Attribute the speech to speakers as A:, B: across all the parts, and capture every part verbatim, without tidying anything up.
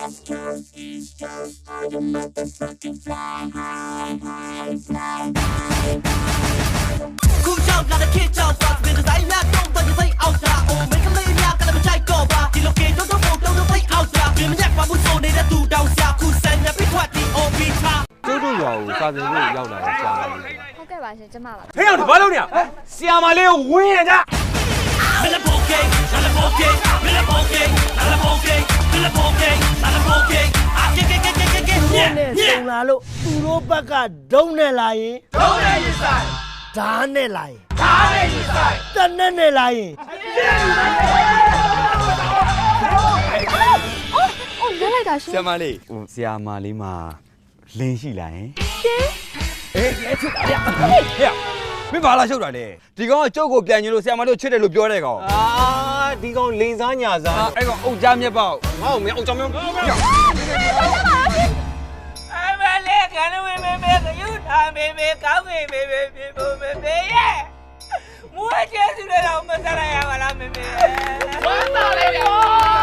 A: West Coast, East Coast, all the motherfucking fly high, high, fly high, high.
B: Cool job, got a kid job, fuck me, the same not don't but you say out there. Oh, make a lady out, got a check over. You look at don't don't don't play out there. You me neck, but so they do down south. Cool send me be what the O B top.
C: ကျိုးတို့ရွာကိုစာသင်ဖို့ရောက်လာတဲ့ဆရာမလေး
D: ဟုတ်ကဲ့ပါရှင်ကျမပါ
E: ဟဲ့အောင်ဒီဘာလုပ်နေရဆရာမလေးကိုဝင်းရကြ
B: Bella poke, bella poke, bella poke, bella poke, bella poke, bella poke. Ah, get get get get get.
F: နဲ့စုံလာလို့သူတို့ဘက်ကဒုံးနဲ့လာရင်ဒုံးနဲ့ရင်ဆိုင်ဓာတ်နဲ့လာရင်ဓာတ်နဲ့ရင်ဆိုင်တနက်နဲ့လာရင်
D: အော်လဲလိုက်တာရှင်
C: ဆရာမလေးဟိုဆရာမလေးမှာလင်းရှိလာရင်
D: ရှင်
C: အေးအဲ့ချစ်တာဗျဟဲ့မင်းဘာလာရှုပ်တာလဲဒီကောင်ကကျုပ်ကိုပြန်ညင်လို့ဆရာမလေးကိုချစ်တယ်လို့ပြောတဲ့ကောင်
E: အာဒီကောင်လိန်စားညာစား
C: အဲ့ကောင်အုတ်ကြားမြက်ပေါက်
E: ငါ့ကိုမင်းအောင်ကြောင်မျိုး
B: အမလေးကနေမေမေမေကယူထားမေမေကောင်းမေမေမေမေမေမေရဲ့မွေးကျဲစုလည်းတော့မစားရပါလားမေမေဝမ်းသာလိုက်တယ်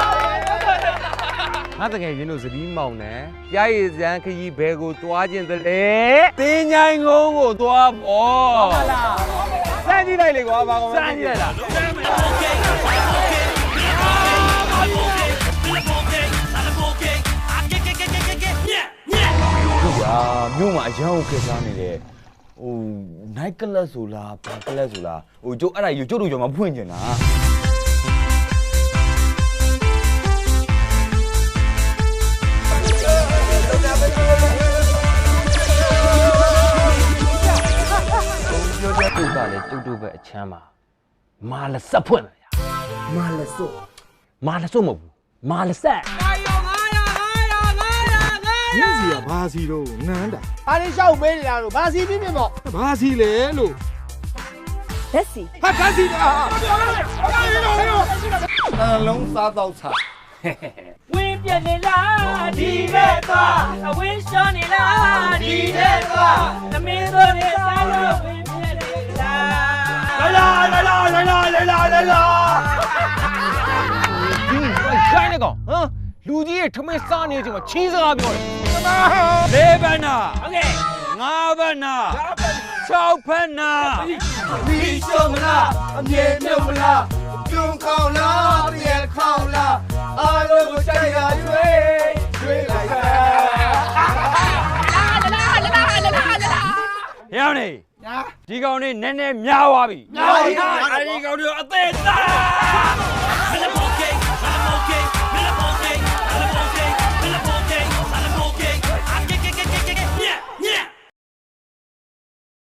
C: ငါတကယ်ရင်းတို့စပီးမောင်နဲ့ကြားရည်စံခကြီးဘဲကိုသွားခြင်းတလေတင်းញိုင်းကုန်းကိုသွားပေါ့ဟုတ်လားစမ်းကြည့်လိုက်လေကွာဘာကောင်စမ်းကြည့်လိုက်လားဟုတ်ပါမြို့မှာအရန်ကိုခေစားနေတယ်ဟို night club ဆိုလားဘာ club ဆိုလားဟိုကျုပ်အဲ့ဒါယူကျုပ်တို့ကျော်မှာဖွင့်ကျင်တာကျုပ်ကလည်းကျုပ်တို့ပဲအချမ်းပါမာလဆက်ဖွင့်လာရ
F: မာလစို့
C: မာလဆုတ်မဟုတ်ဘူးမာလဆက်
G: ညစီကဘာစီတော့နန်းတာ
F: အားလေးရှောက်ပေးနေတာလို့ဘာစီပြင်းပြင်းပေါ့
G: ဘာစီလဲလို့
D: လက်စီ
G: ဟာဘာစီอ่ะ
F: အလုံးစားတော့ချာ
B: ဝင်းပြနေလားဒီတဲ့သွားအဝင်းရှောင်းနေလားဒီတဲ့သွားသမင်းတို့နေစားလို့ဝင်းပြနေလားလာလာလာလာလာလာလာလာလာ
E: ဒီဆိုင်နေကောင်ဟမ်လူကြီးရဲ့ထမင်းစားနေတဲ့အချိန်မှာချီးစကားပြောတယ်
C: လေးဘန်းနာ
B: โอเค
C: ငါးဘန်းနာ၆ဘန်းနာ
F: ဒီရှုံမလားအမြဲမြုပ်မလားပြုံးခေါင်လားပြန်ခေါင်လားအားလုံးကိုကြိုက်ရရွေးရွေးလိုက်ပါ
C: ရောင်းနေဒီကောင်နေနည်းနည်းများသွားပြီများပါပြီအဲ့ဒီကောင်တွေအသေးသား